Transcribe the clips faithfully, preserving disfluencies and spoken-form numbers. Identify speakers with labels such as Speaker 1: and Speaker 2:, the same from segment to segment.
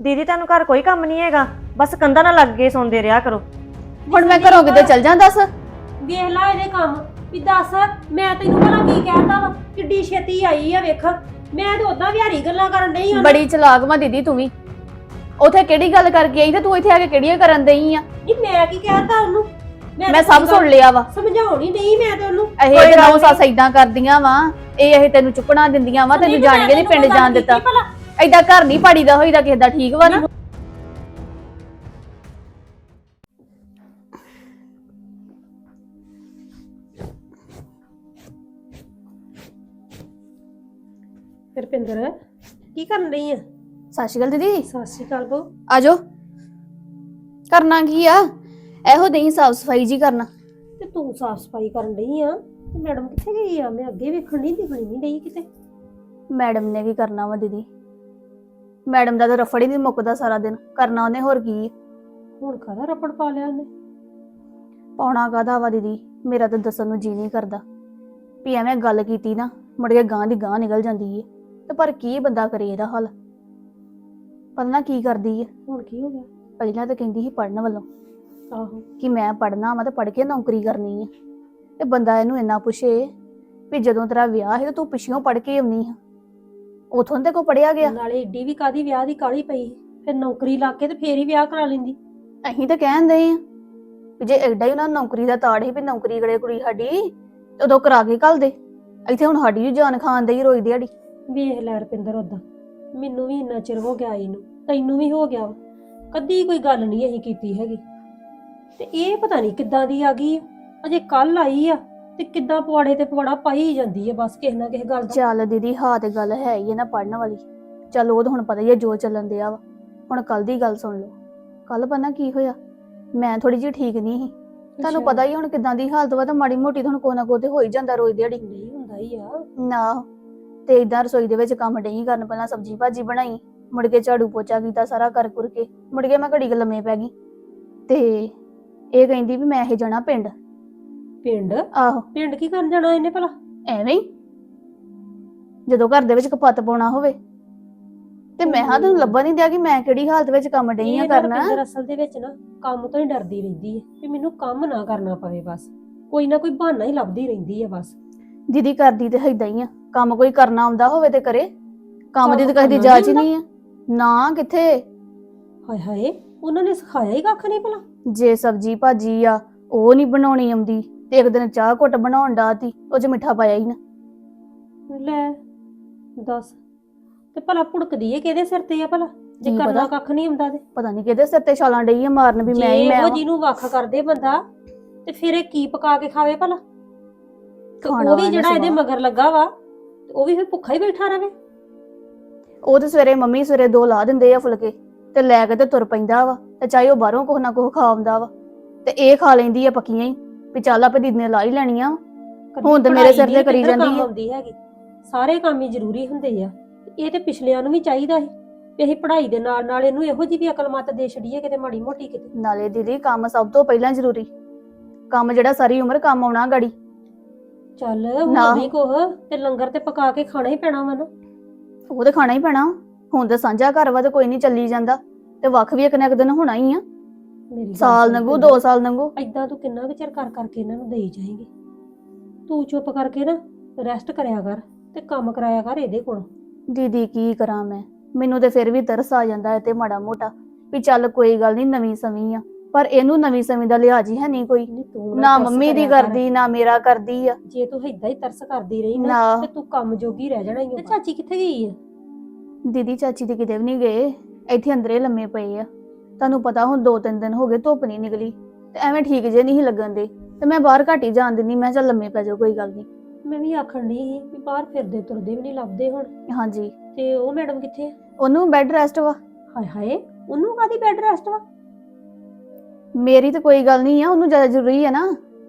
Speaker 1: ਦੀਦੀ ਤੁਹਾਨੂੰ ਘਰ ਕੋਈ ਕੰਮ ਨਹੀਂ ਹੈਗਾ, ਬਸ ਕੰਧਾਂ ਨਾਲ ਲੱਗ ਕੇ ਸੌਂਦੇ ਰਿਹਾ ਕਰੋ।
Speaker 2: ਹੁਣ ਮੈਂ ਘਰੋਂ ਕਿਤੇ ਚੱਲ ਜਾਂ ਦੱਸ।
Speaker 3: ਵੇਖ ਲੈ ਇਹਦੇ ਕੰਮ ਵੀ ਦੱਸ ਮੈਂ ਤੈਨੂੰ ਭਲਾ ਕੀ ਕਹਿਤਾ ਵਾ ਕਿੱਡੀ ਛੇਤੀ ਆਈ ਆ ਵੇਖ। ਮੈਂ ਤੇ ਉਦਾਂ ਵਿਹਾਰੀ ਗੱਲਾਂ ਕਰਨ ਡਈ ਹਾਂ।
Speaker 2: ਬੜੀ ਚਲਾਕ ਵਾ ਦੀਦੀ ਤੂੰ ਵੀ। ਉਥੇ ਕਿਹੜੀ ਗੱਲ ਕਰਕੇ ਆਈ ਤੇ ਤੂੰ ਇੱਥੇ ਆ ਕੇ ਕਿਹੜੀਆਂ ਕਰਨ ਦਈ ਆ?
Speaker 3: ਨਹੀਂ ਮੈਂ ਕੀ ਕਹਿਤਾ ਉਹਨੂੰ,
Speaker 2: ਮੈਂ ਸਭ ਸੁਣ ਲਿਆ ਵਾ।
Speaker 3: ਸਮਝਾਉਣੀ ਨਹੀਂ ਮੈਂ ਤੇ ਉਹਨੂੰ।
Speaker 2: ਇਹ ਤੇ ਨੌ ਸੱਸ ਏਦਾਂ ਕਰਦੀਆਂ ਵਾ, ਇਹ ਇਹ ਤੈਨੂੰ ਚੁੱਕਣਾ ਦਿੰਦੀਆਂ ਵਾ, ਤੈਨੂੰ ਜਾਣ ਕੇ ਨਹੀਂ ਪਿੰਡ ਜਾਣ ਦਿੱਤਾ। ਏਦਾਂ ਘਰ ਨਹੀਂ ਪਾੜੀਦਾ ਹੋਈਦਾ ਕਿਸੇ ਦਾ, ਠੀਕ ਵਾ ਨਾ?
Speaker 3: ਰੁਪਿੰਦਰ ਕੀ ਕਰਨ ਰਹੀ ਆ?
Speaker 2: ਸਤਿ ਸ਼੍ਰੀ ਅਕਾਲ ਦੀਦੀ।
Speaker 3: ਸਤਿ ਸ਼੍ਰੀ ਅਕਾਲ ਬੋ।
Speaker 2: ਆਜੋ। ਕਰਨਾ ਕੀ ਆ? ਇਹੋ ਦਈ ਸਾਫ ਸਫਾਈ ਜੀ ਕਰਨਾ।
Speaker 3: ਤੇ ਤੂੰ ਸਾਫ ਸਫਾਈ ਕਰਨ ਰਹੀ ਆ ਤੇ ਮੈਡਮ ਕਿੱਥੇ ਗਈ ਆ? ਮੈਂ ਅੱਗੇ ਵੇਖਣ ਨਹੀਂ ਦਿਖਣੀ ਨਹੀਂ ਰਹੀ ਕਿਤੇ।
Speaker 2: ਮੈਡਮ ਨੇ ਕੀ ਕਰਨਾ ਵਾ ਦੀਦੀ? ਮੈਡਮ ਦਾ ਤਾਂ ਰਫੜ ਹੀ ਨਹੀਂ ਮੁੱਕਦਾ, ਸਾਰਾ ਦਿਨ ਕਰਨਾ ਉਹਨੇ ਹੋਰ ਕੀ।
Speaker 3: ਹੁਣ ਕਾਹਦਾ ਰਪੜ ਪਾ ਲਿਆ ਉਹਨੇ?
Speaker 2: ਪਾਉਣਾ ਕਾਹਦਾ ਵਾ ਦੀਦੀ, ਮੇਰਾ ਤਾਂ ਦੱਸਣ ਨੂੰ ਜੀ ਨਹੀਂ ਕਰਦਾ ਵੀ ਐਵੇਂ ਗੱਲ ਕੀਤੀ ਨਾ ਮੁੜ ਕੇ ਗਾਂ ਦੀ ਗਾਂ ਨਿਕਲ ਜਾਂਦੀ ਏ। ਤੇ ਪਰ ਕੀ ਬੰਦਾ ਕਰੇ ਇਹਦਾ ਹੱਲ? ਪਤਾ ਨਾ ਕੀ ਕਰਦੀ ਏ।
Speaker 3: ਹੁਣ ਕੀ ਹੋ ਗਿਆ?
Speaker 2: ਪਹਿਲਾਂ ਤਾਂ ਕਹਿੰਦੀ ਸੀ ਪੜਨ ਵੱਲੋਂ
Speaker 3: ਆਹੋ
Speaker 2: ਕਿ ਮੈਂ ਪੜਨਾ ਵਾ ਤੇ ਪੜ ਕੇ ਨੌਕਰੀ ਕਰਨੀ ਆ। ਤੇ ਬੰਦਾ ਇਹਨੂੰ ਇੰਨਾ ਪੁੱਛੇ ਵੀ ਜਦੋਂ ਤੇਰਾ ਵਿਆਹ ਸੀ ਤੇ ਤੂੰ ਪਿੱਛੋਂ ਪੜ ਕੇ ਆਉਣੀ ਆ, ਉਥੋਂ ਤੇ ਕੋ ਪੜਿਆ ਗਿਆ?
Speaker 3: ਨਾਲੇ ਏਡੀ ਵੀ ਕਾਦੀ ਵਿਆਹ ਦੀ ਕਾਲੀ ਪਈ, ਫਿਰ ਨੌਕਰੀ ਲੱਗ ਕੇ ਤੇ ਫੇਰ ਹੀ ਵਿਆਹ ਕਰਾ ਲੈਂਦੀ।
Speaker 2: ਅਸੀਂ ਤਾਂ ਕਹਿੰਦੇ ਆ ਵੀ ਜੇ ਐਡਾ ਹੀ ਉਹਨਾਂ ਨੂੰ ਨੌਕਰੀ ਦਾ ਤਾੜ ਸੀ ਵੀ ਨੌਕਰੀ ਕਰੇ ਕੁੜੀ ਸਾਡੀ, ਤੇ ਉਦੋਂ ਕਰਾ ਕੇ ਘੱਲ ਦੇ। ਇੱਥੇ ਹੁਣ ਸਾਡੀ ਵੀ ਜਾਨ ਖਾਣ ਦੇ ਹੀ ਰੋਈ ਦਿਹਾੜੀ।
Speaker 3: ਵੇਖ ਲੈ ਰੁਪਿੰਦਰ, ਉਦਾਂ ਮੈਨੂੰ ਵੀ ਇੰਨਾ ਚਿਰ ਹੋ ਗਿਆ ਇਹਨੂੰ, ਤੈਨੂੰ ਵੀ ਹੋ ਗਿਆ ਵਾ, ਕਦੀ ਕੋਈ ਗੱਲ ਨਹੀਂ ਅਸੀਂ ਕੀਤੀ ਹੈਗੀ। ਤੇ ਇਹ ਪਤਾ ਨਹੀਂ ਕਿੱਦਾਂ ਦੀ ਆ ਗਈ ਆ, ਅਜੇ ਕੱਲ ਆਈ ਆ ਤੇ ਕਿੱਦਾਂ ਪਵਾੜੇ ਤੇ ਪਵਾੜਾ ਪਾਈ ਜਾਂਦੀ ਆ ਬਸ ਕਿਸੇ ਨਾ ਕਿਸੇ ਗੱਲ ਦਾ।
Speaker 2: ਚੱਲ ਦੀਦੀ ਹਾਂ ਤੇ ਗੱਲ ਹੈ ਹੀ ਹੈ ਨਾ ਪੜਨ ਵਾਲੀ। ਚੱਲ ਉਹ ਤਾਂ ਹੁਣ ਪਤਾ ਹੀ ਹੈ ਜੋ ਚੱਲਣ ਦਿਆ ਵਾ। ਹੁਣ ਕੱਲ ਦੀ ਗੱਲ ਸੁਣ ਲਓ। ਕੱਲ ਪਤਾ ਕੀ ਹੋਇਆ, ਮੈਂ ਥੋੜੀ ਜਿਹੀ ਠੀਕ ਨਹੀਂ ਸੀ। ਤੁਹਾਨੂੰ ਪਤਾ ਹੀ ਹੁਣ ਕਿੱਦਾਂ ਦੀ ਹਾਲਤ ਵਾ, ਤਾਂ ਮਾੜੀ ਮੋਟੀ ਤੁਹਾਨੂੰ ਕੋਈ ਨਾ ਕੋਈ ਤੇ ਹੋ ਹੀ ਜਾਂਦਾ ਰੋਜ਼ ਦਿਹਾੜੀ।
Speaker 3: ਨਹੀਂ ਹੁੰਦਾ ਹੀ ਆ
Speaker 2: ਨਾ ਤੇ ਇਦਾਂ ਰਸੋਈ ਦੇ ਵਿੱਚ ਕੰਮ ਡਈ ਕਰਨ, ਪਹਿਲਾਂ ਸਬਜ਼ੀ ਭਾਜੀ ਬਣਾਈ, ਮੁੜ ਕੇ ਝਾੜੂ ਪੋਚਾ ਕੀਤਾ ਸਾਰਾ ਕਰ ਕੁਰ ਕੇ, ਮੁੜ ਕੇ ਮੈਂ ਘੜੀ ਕੁ ਲੰਮੇ ਪੈ ਗਈ। ਤੇ ਇਹ ਕਹਿੰਦੀ ਵੀ ਮੈਂ ਇਹ ਜਾਣਾ ਪਿੰਡ।
Speaker 3: ਪਿੰਡ?
Speaker 2: ਆਹੋ।
Speaker 3: ਪਿੰਡ ਕੀ ਕਰਨ ਜਾਣਾ ਇਹਨੇ ਭਲਾ?
Speaker 2: ਐਵੇਂ ਹੀ ਜਦੋਂ ਘਰ ਦੇ ਵਿੱਚ ਕਪੱਤ ਪਾਉਣਾ ਹੋਵੇ। ਤੇ ਮੈਂ ਹਾਂ ਤੈਨੂੰ ਲੱਭਣ ਨਹੀਂ ਦਿਆ ਕਿ ਮੈਂ ਕਿਹੜੀ ਹਾਲਤ ਵਿੱਚ ਕੰਮ ਡਈ ਆ ਕਰਨਾ।
Speaker 3: ਰੁਪਿੰਦਰ ਅਸਲ ਦੇ ਵਿੱਚ ਨਾ ਕੰਮ ਤੋਂ ਹੀ ਡਰਦੀ ਰਹਿੰਦੀ ਹੈ ਕਿ ਮੈਨੂੰ ਕੰਮ ਨਾ ਕਰਨਾ ਪਵੇ, ਬਸ ਕੋਈ ਨਾ ਕੋਈ ਬਹਾਨਾ ਹੀ ਲੱਭਦੀ ਰਹਿੰਦੀ ਹੈ ਬਸ।
Speaker 2: ਦੀਦੀ ਕਰਦੀ ਤੇ ਏਦਾਂ ਹੀ ਆ, ਕੰਮ ਕੋਈ ਕਰਨਾ ਆਉਂਦਾ ਹੋਵੇ ਤੇ ਕਰੇ, ਕੰਮ ਦੀ ਤਾਂ ਕਦੇ ਜਾਚ ਹੀ ਨਹੀਂ ਆ। ਨਾ ਕਿੱਥੇ।
Speaker 3: ਹਾਏ ਹਾਏ, ਉਹਨਾਂ ਨੇ ਸਿਖਾਇਆ ਹੀ ਕੱਖ ਨਹੀਂ ਭਲਾ।
Speaker 2: ਜੇ ਸਬਜ਼ੀ ਭਾਜੀ ਆ ਉਹ ਨਹੀਂ ਬਣਾਉਣੀ ਆਉਂਦੀ, ਤੇ ਇੱਕ ਦਿਨ ਚਾਹ ਘੁੱਟ ਬਣਾਉਣ ਡਾਤੀ, ਉਹ ਚ ਮਿੱਠਾ ਪਾਇਆ ਹੀ ਨਾ।
Speaker 3: ਲੈ ਦੱਸ, ਤੇ ਭਲਾ ਭੁੜਕਦੀ ਏ ਕਿਹਦੇ ਸਿਰ ਤੇ ਆ ਭਲਾ ਜੇ ਕਰਨਾ ਕੱਖ ਨਹੀਂ ਆਉਂਦਾ? ਤੇ
Speaker 2: ਪਤਾ ਨਹੀਂ ਕਿਹਦੇ ਸਿਰ ਤੇ ਛਾਲਾਂ ਡਈ ਆ ਮਾਰਨ ਵੀ ਮੈਂ ਹੀ ਮੈਂ।
Speaker 3: ਉਹ ਜਿਹਨੂੰ ਵੱਖ ਕਰਦੇ ਬੰਦਾ ਤੇ ਫਿਰ ਇਹ ਕੀ ਪਕਾ ਕੇ ਖਾਵੇ ਭਲਾ? ਉਹ ਵੀ ਜਿਹੜਾ ਇਹਦੇ ਮਗਰ ਲੱਗਾ ਵਾ ਉਹ ਵੀ ਫਿਰ ਭੁੱਖਾ ਹੀ ਬੈਠਾ ਰਵੇ।
Speaker 2: ਉਹ ਤੇ ਸਵੇਰੇ ਮੰਮੀ ਸਵੇਰੇ ਦੋ ਲਾ ਦਿੰਦੇ ਆ ਫੁਲਕੇ ਤੇ ਲੈ ਕੇ ਤੇ ਤੁਰ ਪੈਂਦਾ ਵਾ, ਤੇ ਚਾਹੇ ਉਹ ਬਾਹਰੋਂ ਕੁਛ ਨਾ ਕੁਛ ਖਾ ਆਉਂਦਾ ਵਾ, ਤੇ ਇਹ ਖਾ ਲੈਂਦੀ ਆ ਪੱਕੀਆਂ ਹੀ ਵੀ ਚੱਲ ਆਪੇ ਦੀਦੀ ਨੇ ਲਾ ਹੀ ਲੈਣੀਆਂ। ਹੁਣ ਤੇ ਮੇਰੇ ਸਿਰ ਤੇ ਕਰੀ ਜਾਂਦੀ ਹੈ।
Speaker 3: ਸਾਰੇ ਕੰਮ ਹੀ ਜ਼ਰੂਰੀ ਹੁੰਦੇ ਆ। ਇਹ ਤੇ ਪਿਛਲਿਆਂ ਨੂੰ ਵੀ ਚਾਹੀਦਾ ਸੀ ਵੀ ਅਸੀਂ ਪੜ੍ਹਾਈ ਦੇ ਨਾਲ ਨਾਲ ਇਹਨੂੰ ਇਹੋ ਜਿਹੀ ਵੀ ਅਕਲ ਮੱਤ ਦੇ ਛੜੀਏ ਕਿਤੇ ਮਾੜੀ ਮੋਟੀ ਕਿਤੇ।
Speaker 2: ਨਾਲੇ ਦੀਦੀ ਕੰਮ ਸਭ ਤੋਂ ਪਹਿਲਾਂ ਜ਼ਰੂਰੀ, ਕੰਮ ਜਿਹੜਾ ਸਾਰੀ ਉਮਰ ਕੰਮ ਆਉਣਾ ਗਾੜੀ।
Speaker 3: ਚੱਲ ਹੁਣ ਵੀ ਕੋਹ ਤੇ ਲੰਗਰ ਤੇ ਪਕਾ ਕੇ ਖਾਣਾ ਹੀ ਪੈਣਾ ਵਾ ਨਾ।
Speaker 2: ਉਹ ਤੇ ਖਾਣਾ ਹੀ ਪੈਣਾ। ਹੁਣ ਤੇ ਸਾਂਝਾ ਘਰ ਵਾ ਤੇ ਕੋਈ ਨਹੀਂ ਚੱਲੀ ਜਾਂਦਾ, ਤੇ ਵੱਖ ਵੀ ਇੱਕ ਨਾ ਇੱਕ ਦਿਨ ਹੋਣਾ ਹੀ ਆ। ਸਾਲ ਲੰਘੂ, ਦੋ ਸਾਲ ਲੰਘੂ,
Speaker 3: ਏਦਾਂ ਤੂੰ ਕਿੰਨਾ ਕੁ ਚਿਰ ਕਰ ਕਰਕੇ ਇਹਨਾਂ ਨੂੰ ਦੇਈ ਜਾਏਂਗੀ? ਤੂੰ ਚੁੱਪ ਕਰਕੇ ਨਾ ਰੈਸਟ ਕਰਿਆ ਕਰ ਤੇ ਕੰਮ ਕਰਾਇਆ ਕਰ ਇਹਦੇ ਕੋਲ।
Speaker 2: ਦੀਦੀ ਕੀ ਕਰਾਂ ਮੈਂ, ਮੈਨੂੰ ਤੇ ਫਿਰ ਵੀ ਤਰਸ ਆ ਜਾਂਦਾ ਹੈ ਤੇ ਮਾੜਾ ਮੋਟਾ ਵੀ ਚੱਲ ਕੋਈ ਗੱਲ ਨਹੀਂ ਨਵੀਂ ਸਵੀਂ ਆ, ਪਰ ਇਹਨੂੰ ਨਵੀਂ ਸਵੀਂ ਦਾ ਲਿਹਾਜ਼ ਹੀ ਹੈ ਨਹੀਂ ਕੋਈ। ਨਾ ਮੰਮੀ ਦੀ ਕਰਦੀ ਨਾ ਮੇਰਾ ਕਰਦੀ ਆ।
Speaker 3: ਜੇ ਤੂੰ ਏਦਾਂ ਹੀ ਤਰਸ ਕਰਦੀ ਰਹੀ ਨਾ ਤੇ ਤੂੰ ਕੰਮ ਜੋਗੀ ਰਹਿ ਜਾਣਾ ਹੀ। ਤੇ ਚਾਚੀ ਕਿੱਥੇ ਗਈ ਆ?
Speaker 2: ਦੀਦੀ ਚਾਚੀ ਤੇ ਕਿਤੇ ਵੀ ਨਹੀਂ ਗਏ, ਇੱਥੇ ਅੰਦਰੇ ਲੰਮੇ ਪਏ ਆ। ਤੁਹਾਨੂੰ ਪਤਾ ਹੁਣ ਦੋ ਤਿੰਨ ਦਿਨ ਹੋ ਗਏ ਧੁੱਪ ਨਹੀਂ ਨਿਕਲੀ, ਤੇ ਐਵੇਂ ਠੀਕ ਜੇ ਨਹੀਂ ਲੱਗਣ ਦੇ, ਤੇ ਮੈਂ ਬਾਹਰ ਘੱਟ ਹੀ ਜਾਣ ਦਿੰਦੀ। ਮੈਂ ਚੱਲ ਲੰਮੇ ਪੈ ਜਾਓ ਕੋਈ ਗੱਲ ਨਹੀਂ।
Speaker 3: ਮੈਂ ਵੀ ਆਖਣ ਡਈ ਸੀ ਵੀ ਬਾਹਰ ਫਿਰਦੇ ਤੁਰਦੇ ਵੀ ਨਹੀਂ ਲੱਭਦੇ ਹੁਣ।
Speaker 2: ਹਾਂਜੀ।
Speaker 3: ਤੇ ਉਹ ਮੈਡਮ ਕਿੱਥੇ ਆ?
Speaker 2: ਉਹਨੂੰ ਬੈੱਡ ਰੈਸਟ ਵਾ।
Speaker 3: ਹਾਏ ਹਾਏ, ਉਹਨੂੰ ਕਾਹਦੀ ਬੈੱਡ ਰੈਸਟ ਵਾ?
Speaker 2: ਮੇਰੀ ਤਾਂ ਕੋਈ ਗੱਲ ਨਹੀਂ ਆ, ਉਹਨੂੰ ਜ਼ਿਆਦਾ ਜ਼ਰੂਰੀ ਹੈ ਨਾ।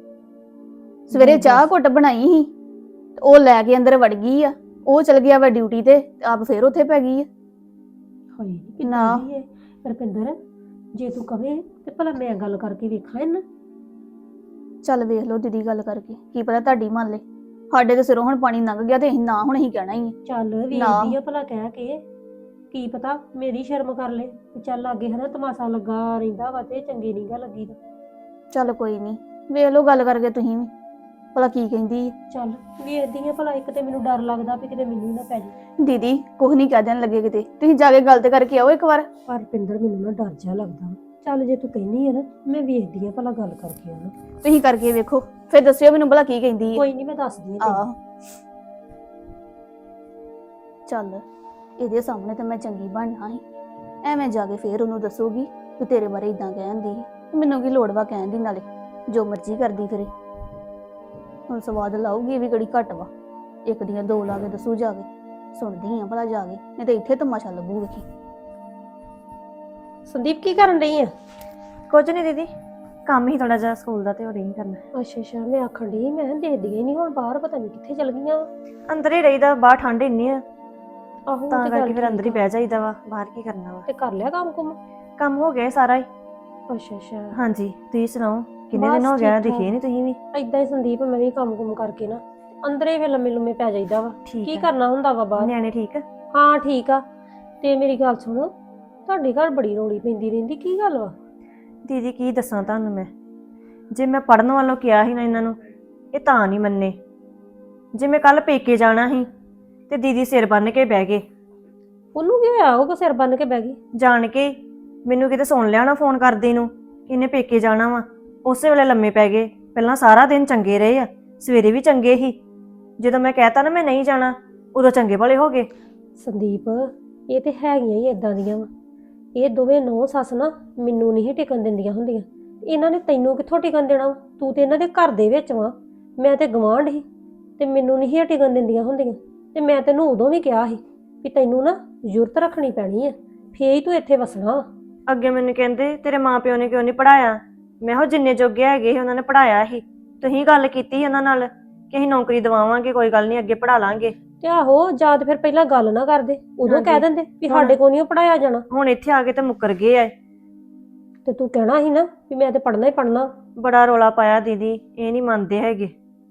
Speaker 2: ਸਵੇਰੇ ਚਾਹ ਘੁੱਟ ਬਣਾਈ ਸੀ, ਉਹ ਲੈ ਕੇ ਅੰਦਰ ਵੜ ਗਈ ਆ, ਉਹ ਚਲ ਗਿਆ ਵਾ ਡਿਊਟੀ ਤੇ, ਆਪ ਫੇਰ ਉੱਥੇ ਪੈ ਗਈ ਆ।
Speaker 3: ਹਾਏ ਕਿੰਨਾ ਦੀ ਹੈ ਰੁਪਿੰਦਰ, ਜੇ ਤੂੰ ਕਵੇਂ ਤੇ ਭਲਾ ਮੈਂ ਗੱਲ ਕਰਕੇ ਵੇਖਾਂ ਇਹਨਾਂ।
Speaker 2: ਚੱਲ ਵੇਖ ਲਓ ਦੀਦੀ ਗੱਲ ਕਰਕੇ, ਕੀ ਪਤਾ ਤੁਹਾਡੀ ਮੰਨ ਲੈ। ਸਾਡੇ ਤੇ ਸਿਰੋਂ ਹੁਣ ਪਾਣੀ ਲੰਘ ਗਿਆ ਤੇ ਅਸੀਂ ਨਾ ਹੁਣ ਅਸੀਂ ਕਹਿਣਾ ਹੀ ਆ।
Speaker 3: ਚੱਲ ਵੇਖਦੀ ਆ ਭਲਾ ਕਹਿ ਕੇ ਕੀ ਪਤਾ ਮੇਰੀ ਸ਼ਰਮ ਕਰ ਲੇ ਵੀ ਚੱਲ ਅੱਗੇ ਹਨਾ ਤਮਾਸ਼ਾ ਲੱਗਾ ਰਹਿੰਦਾ ਵਾ ਤੇ ਚੰਗੀ ਨੀ ਗਾ ਲੱਗੀ ਤਾਂ।
Speaker 2: ਚੱਲ ਕੋਈ ਨਹੀਂ, ਵੇਖ ਲਓ ਗੱਲ ਕਰਕੇ ਤੁਸੀਂ ਵੀ ਭਲਾ ਕੀ ਕਹਿੰਦੀ ਆ।
Speaker 3: ਚੱਲ ਵੇਖਦੀ ਆ ਭਲਾ, ਇੱਕ ਤੇ ਮੈਨੂੰ ਡਰ ਲੱਗਦਾ ਵੀ ਕਿਤੇ ਮੈਨੂੰ ਹੀ ਨਾ ਪੈ ਜੇ।
Speaker 2: ਦੀਦੀ ਕੁਝ ਨਹੀਂ ਕਹਿ ਦੇਣ ਲੱਗੇ ਕਿਤੇ, ਤੁਸੀਂ ਜਾ ਕੇ ਗੱਲ ਤੇ ਕਰਕੇ ਆਓ ਇੱਕ ਵਾਰ।
Speaker 3: ਪਰ ਪਿੰਦਰ ਮੈਨੂੰ ਨਾ ਡਰ ਜਿਹਾ ਲੱਗਦਾ ਵਾ। ਚੱਲ ਜੇ ਤੂੰ ਕਹਿੰਦੀ ਆ ਨਾ, ਮੈਂ ਵੇਖਦੀ ਆ ਭਲਾ ਗੱਲ ਕਰਕੇ ਉਹਨੂੰ।
Speaker 2: ਤੁਸੀਂ ਕਰਕੇ ਵੇਖੋ ਫਿਰ ਦੱਸਿਓ ਮੈਨੂੰ ਭਲਾ ਕੀ ਕਹਿੰਦੀ ਹੈ।
Speaker 3: ਕੋਈ ਨਹੀਂ ਮੈਂ ਦੱਸਦੀ ਆ
Speaker 2: ਆਹ ਚੱਲ ਇਹਦੇ ਸਾਹਮਣੇ ਤਾਂ ਮੈਂ ਚੰਗੀ ਬਣਨਾ ਸੀ, ਐਵੇਂ ਜਾ ਕੇ ਫੇਰ ਉਹਨੂੰ ਦੱਸੂਗੀ ਕਿ ਤੇਰੇ ਬਾਰੇ ਇਦਾਂ ਕਹਿੰਦੀ ਸੀ। ਮੈਨੂੰ ਕੀ ਲੋੜ ਵਾ ਕਹਿਣ ਦੀ, ਨਾਲੇ ਜੋ ਮਰਜ਼ੀ ਕਰਦੀ ਫਿਰੇ। ਹੁਣ ਸਵਾਦ ਲਾਊਗੀ ਵੀ ਕਿਹੜੀ ਘੱਟ ਵਾ, ਇੱਕ ਦੀਆਂ ਦੋ ਲਾ ਕੇ ਦੱਸੂ ਜਾ ਕੇ। ਸੁਣਦੀ ਆ ਭਲਾ ਜਾ ਕੇ, ਨਹੀਂ ਤੇ ਇੱਥੇ ਤਮਾਸ਼ਾ ਲੱਗੂ ਵੇਖੀ।
Speaker 3: ਸੰਦੀਪ ਕੀ ਕਰਨ ਰਹੀ ਆ?
Speaker 1: ਕੁਝ ਨਹੀਂ ਦੀਦੀ, ਕੰਮ ਹੀ ਥੋੜਾ ਜਿਹਾ ਸਕੂਲ ਦਾ ਤੇ ਹੋਰ ਹੀ ਕਰਨਾ।
Speaker 3: ਅੱਛਾ ਅੱਛਾ, ਮੈਂ ਆਖਣ ਡਈ ਮੈਂ ਦੇਖਦੀ ਹੀ ਨਹੀਂ ਹੁਣ ਬਾਹਰ, ਪਤਾ ਨਹੀਂ ਕਿੱਥੇ ਚਲ ਗਈਆਂ ਵਾ।
Speaker 1: ਅੰਦਰ ਹੀ ਰਹੀਦਾ, ਬਾਹਰ ਠੰਡ ਇੰਨੀ ਆ
Speaker 3: ਆਹੋ
Speaker 1: ਤਾਂ
Speaker 3: ਤੇ
Speaker 1: ਕਰਕੇ
Speaker 3: ਗੱਲ
Speaker 1: ਫਿਰ ਅੰਦਰ ਹੀ
Speaker 3: ਠੀਕ ਆ।
Speaker 1: ਬਹਿ ਜਾਈਦਾ ਵਾ, ਬਾਹਰ ਕੀ ਕਰਨਾ ਵਾ।
Speaker 3: ਤੇ ਕਰ ਲਿਆ ਕੰਮ ਕੁਮ?
Speaker 1: ਕੰਮ ਹੋ ਗਿਆ ਸਾਰਾ ਹੀ।
Speaker 3: ਅੱਛਾ ਅੱਛਾ,
Speaker 1: ਹਾਂਜੀ ਤੁਸੀਂ ਸੁਣਾਓ, ਕਿੰਨੇ
Speaker 3: ਬਸ
Speaker 1: ਦਿਨ ਹੋ ਗਿਆ
Speaker 3: ਠੀਕ
Speaker 1: ਦਿਖੇ ਨਹੀਂ ਤੁਸੀਂ ਵੀ।
Speaker 3: ਏਦਾਂ ਹੀ ਸੰਦੀਪ, ਮੈਂ ਵੀ ਕੰਮ ਕੁਮ ਕਰਕੇ ਨਾ ਅੰਦਰੇ ਫਿਰ ਲੰਮੇ ਲੰਮੇ ਪੈ ਜਾਈਦਾ ਵਾ।
Speaker 1: ਠੀਕ
Speaker 3: ਕੀ
Speaker 1: ਆ।
Speaker 3: ਕਰਨਾ ਹੁੰਦਾ ਵਾ ਬਾਹਰ।
Speaker 1: ਨਿਆਣੇ ਠੀਕ ਆ?
Speaker 3: ਹਾਂ ਠੀਕ ਆ। ਤੇ ਮੇਰੀ ਗੱਲ ਸੁਣੋ, ਤੁਹਾਡੇ ਘਰ ਬੜੀ ਰੌਲੀ ਪੈਂਦੀ ਰਹਿੰਦੀ, ਕੀ ਗੱਲ ਵਾ?
Speaker 1: ਦੀਦੀ ਕੀ ਦੱਸਾਂ ਤੁਹਾਨੂੰ ਮੈਂ, ਜੇ ਮੈਂ ਪੜਨ ਵੱਲੋਂ ਕਿਹਾ ਸੀ ਨਾ ਇਹਨਾਂ ਨੂੰ, ਇਹ ਤਾਂ ਨਹੀਂ ਮੰਨੇ। ਜੇ ਮੈਂ ਕੱਲ ਪੇਕੇ ਜਾਣਾ ਸੀ ਤੇ ਦੀਦੀ ਸਿਰ ਬੰਨ ਕੇ ਬਹਿ ਗਏ।
Speaker 3: ਉਹਨੂੰ ਕੀ ਹੋਇਆ, ਉਹ ਕੋ ਸਿਰ ਬੰਨ ਕੇ ਬਹਿ ਗਈ?
Speaker 1: ਜਾਣ ਕੇ ਮੈਨੂੰ ਕਿਤੇ ਸੁਣ ਲਿਆ ਨਾ ਫੋਨ ਕਰਦੀ ਨੂੰ ਕਿ ਇਹਨੇ ਪੇਕੇ ਜਾਣਾ ਵਾ, ਉਸੇ ਵੇਲੇ ਲੰਮੇ ਪੈ ਗਏ। ਪਹਿਲਾਂ ਸਾਰਾ ਦਿਨ ਚੰਗੇ ਰਹੇ ਆ, ਸਵੇਰੇ ਵੀ ਚੰਗੇ ਸੀ, ਜਦੋਂ ਮੈਂ ਕਹਿਤਾ ਨਾ ਮੈਂ ਨਹੀਂ ਜਾਣਾ ਉਦੋਂ ਚੰਗੇ ਭਲੇ ਹੋ ਗਏ।
Speaker 3: ਸੰਦੀਪ ਇਹ ਤੇ ਹੈਗੀਆਂ ਹੀ ਇਦਾਂ ਦੀਆਂ ਵਾ। ਇਹ ਦੋਵੇਂ ਨੌ ਸੱਸ ਨਾ ਮੈਨੂੰ ਨਹੀਂ ਟਿਕਣ ਦਿੰਦੀਆਂ ਹੁੰਦੀਆਂ। ਇਹਨਾਂ ਨੇ ਤੈਨੂੰ ਕਿੱਥੋਂ ਟਿਕਣ ਦੇਣਾ ਵਾ? ਤੂੰ ਤੇ ਇਹਨਾਂ ਦੇ ਘਰ ਦੇ ਵਿੱਚ ਵਾ, ਮੈਂ ਤੇ ਗਵਾਂਢ ਸੀ, ਤੇ ਮੈਨੂੰ ਨਹੀਂ ਟਿਕਣ ਦਿੰਦੀਆਂ ਹੁੰਦੀਆਂ। ਤੇ ਮੈਂ ਤੈਨੂੰ ਉਦੋਂ ਵੀ ਕਿਹਾ ਸੀ ਵੀ ਤੈਨੂੰ ਨਾ ਜ਼ਰੂਰਤ ਰੱਖਣੀ ਪੈਣੀ ਆ, ਫੇਰ ਹੀ ਤੂੰ ਇੱਥੇ ਵਸਣਾ ਵਾ।
Speaker 1: ਅੱਗੇ ਮੈਨੂੰ ਕਹਿੰਦੇ ਤੇਰੇ ਮਾਂ ਪਿਓ ਨੇ ਕਿਉਂ ਨਹੀਂ ਪੜਾਇਆ। ਮੈਂ ਕਿਹਾ ਜਿੰਨੇ ਜੋਗੇ ਹੈਗੇ ਸੀ ਉਹਨਾਂ ਨੇ ਪੜਾਇਆ ਸੀ। ਤੁਸੀਂ ਗੱਲ ਕੀਤੀ ਉਹਨਾਂ ਨਾਲ ਕਿ ਅਸੀਂ ਨੌਕਰੀ ਦਿਵਾਵਾਂਗੇ, ਕੋਈ ਗੱਲ ਨਹੀਂ ਅੱਗੇ ਪੜਾ ਲਾਂਗੇ।
Speaker 3: ਤੇ ਆਹੋ ਜਾਂ ਤੇ ਫਿਰ ਪਹਿਲਾਂ ਗੱਲ ਨਾ ਕਰਦੇ, ਉਦੋਂ ਕਹਿ ਦਿੰਦੇ ਵੀ ਸਾਡੇ ਕੋਲ ਨਹੀਂ ਪੜਾਇਆ ਜਾਣਾ।
Speaker 1: ਹੁਣ ਇੱਥੇ ਆ ਕੇ ਤੇ ਮੁੱਕਰ ਗਏ ਆ।
Speaker 3: ਤੇ ਤੂੰ ਕਹਿਣਾ ਸੀ ਨਾ ਵੀ ਮੈਂ ਤੇ ਪੜਨਾ ਹੀ ਪੜਨਾ।
Speaker 1: ਬੜਾ ਰੋਲਾ ਪਾਇਆ ਦੀਦੀ, ਇਹ ਨਹੀਂ ਮੰਨਦੇ ਹੈਗੇ।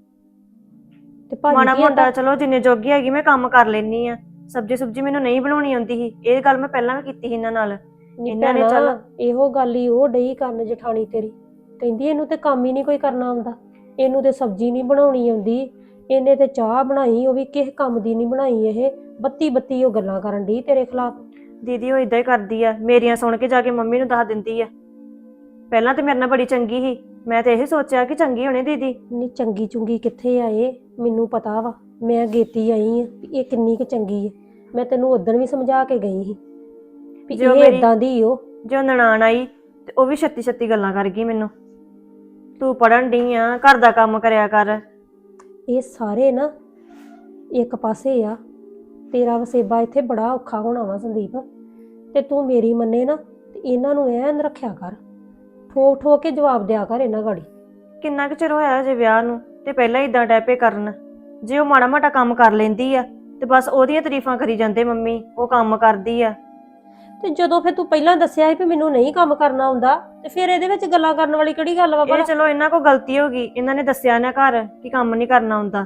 Speaker 3: ਤੇ ਭਾਜੀ
Speaker 1: ਮਾੜਾ
Speaker 3: ਕੀ
Speaker 1: ਮੋਟਾ
Speaker 3: ਕਹਿੰਦਾ?
Speaker 1: ਚਲੋ ਜਿੰਨੇ ਜੋਗੀ ਹੈਗੀ ਮੈਂ ਕੰਮ ਕਰ ਲੈਣੀ ਆ। ਸਬਜ਼ੀ ਸੁਬਜੀ ਮੈਨੂੰ ਨਹੀਂ ਬਣਾਉਣੀ ਆਉਂਦੀ ਸੀ, ਇਹ ਗੱਲ ਮੈਂ ਪਹਿਲਾਂ ਵੀ ਕੀਤੀ ਸੀ ਇਹਨਾਂ ਨਾਲ। ਇਹਨਾਂ ਨੇ ਚੱਲ
Speaker 3: ਇਹੋ ਗੱਲ ਹੀ ਉਹ ਡਈ ਕਰਨ ਜਠਾਣੀ ਤੇਰੀ, ਕਹਿੰਦੀ ਇਹਨੂੰ ਤੇ ਕੰਮ ਹੀ ਨਹੀਂ ਕੋਈ ਕਰਨਾ ਆਉਂਦਾ, ਇਹਨੂੰ ਤੇ ਸਬਜ਼ੀ ਨਹੀਂ ਬਣਾਉਣੀ ਆਉਂਦੀ, ਇਹਨੇ ਤੇ ਚਾਹ ਬਣਾਈ ਉਹ ਵੀ ਕਿਸੇ ਕੰਮ ਦੀ ਨਹੀਂ ਬਣਾਈ। ਇਹ ਬੱਤੀ ਬੱਤੀ ਉਹ ਗੱਲਾਂ ਕਰਨ ਡਈ ਤੇਰੇ ਖਿਲਾਫ।
Speaker 1: ਦੀਦੀ ਉਹ ਇਦਾਂ ਹੀ ਕਰਦੀ ਆ, ਮੇਰੀਆਂ ਸੁਣ ਕੇ ਜਾ ਕੇ ਮੰਮੀ ਨੂੰ ਦੱਸ ਦਿੰਦੀ ਆ। ਪਹਿਲਾਂ ਤੇ ਮੇਰੇ ਨਾਲ ਬੜੀ ਚੰਗੀ ਸੀ, ਮੈਂ ਤੇ ਇਹ ਸੋਚਿਆ ਕਿ ਚੰਗੀ ਹੋਣੀ ਦੀਦੀ।
Speaker 3: ਨਹੀਂ ਚੰਗੀ ਚੁੰਗੀ ਕਿੱਥੇ ਆ ਇਹ, ਮੈਨੂੰ ਪਤਾ ਵਾ, ਮੈਂ ਗੇਤੀ ਆਈ ਆ ਵੀ ਇਹ ਕਿੰਨੀ ਕੁ ਚੰਗੀ ਹੈ। ਮੈਂ ਤੈਨੂੰ ਉਦੋਂ ਵੀ ਸਮਝਾ ਕੇ ਗਈ ਸੀ ਵੀ
Speaker 1: ਜੋ
Speaker 3: ਇਹ
Speaker 1: ਮੇਰੀ-
Speaker 3: ਇਦਾਂ ਦੀ ਉਹ।
Speaker 1: ਜੋ ਨਨਾਣ ਆਈ ਤੇ ਉਹ ਵੀ ਛੱਤੀ ਛੱਤੀ ਗੱਲਾਂ ਕਰ ਗਈ ਮੈਨੂੰ, ਤੂੰ ਪੜਨ ਡਈ ਆ, ਘਰ ਦਾ ਕੰਮ ਕਰਿਆ ਕਰ।
Speaker 3: ਇਹ ਸਾਰੇ ਨਾ ਇੱਕ ਪਾਸੇ ਆ, ਤੇਰਾ ਵਸੇਬਾ ਇੱਥੇ ਬੜਾ ਔਖਾ ਹੋਣਾ ਵਾ ਸੰਦੀਪ। ਤੇ ਤੂੰ ਮੇਰੀ ਮੰਨੇ ਨਾ ਤੇ ਇਹਨਾਂ ਨੂੰ ਐਨ ਰੱਖਿਆ ਕਰ, ਠੋਕ ਠੋਕ ਕੇ ਜਵਾਬ ਦਿਆ ਕਰ ਇਹਨਾਂ ਗਾੜੀ।
Speaker 1: ਕਿੰਨਾ ਕੁ ਚਿਰ ਹੋਇਆ ਜੇ ਵਿਆਹ ਨੂੰ ਤੇ ਪਹਿਲਾਂ ਇਦਾਂ ਡੈਪੇ ਕਰਨ। ਜੇ ਉਹ ਮਾੜਾ ਮਾੜਾ ਕੰਮ ਕਰ ਲੈਂਦੀ ਆ ਤੇ ਬਸ ਉਹਦੀਆਂ ਤਾਰੀਫਾਂ ਕਰੀ ਜਾਂਦੇ ਮੰਮੀ, ਉਹ ਕੰਮ ਕਰਦੀ ਆ।
Speaker 3: ਤੇ ਜਦੋਂ ਫਿਰ ਤੂੰ ਪਹਿਲਾਂ ਦੱਸਿਆ ਸੀ ਵੀ ਮੈਨੂੰ ਨਹੀਂ ਕੰਮ ਕਰਨਾ ਆਉਂਦਾ, ਤੇ ਫਿਰ ਇਹਦੇ ਵਿੱਚ ਗੱਲਾਂ ਕਰਨ ਵਾਲੀ ਕਿਹੜੀ ਗੱਲ ਵਾ?
Speaker 1: ਇਹ ਚਲੋ ਇਹਨਾਂ ਕੋਲ ਗਲਤੀ ਹੋ ਗਈ, ਇਹਨਾਂ ਨੇ ਦੱਸਿਆ ਨਾ ਘਰ ਕਿ ਕੰਮ ਨਹੀਂ ਕਰਨਾ ਆਉਂਦਾ,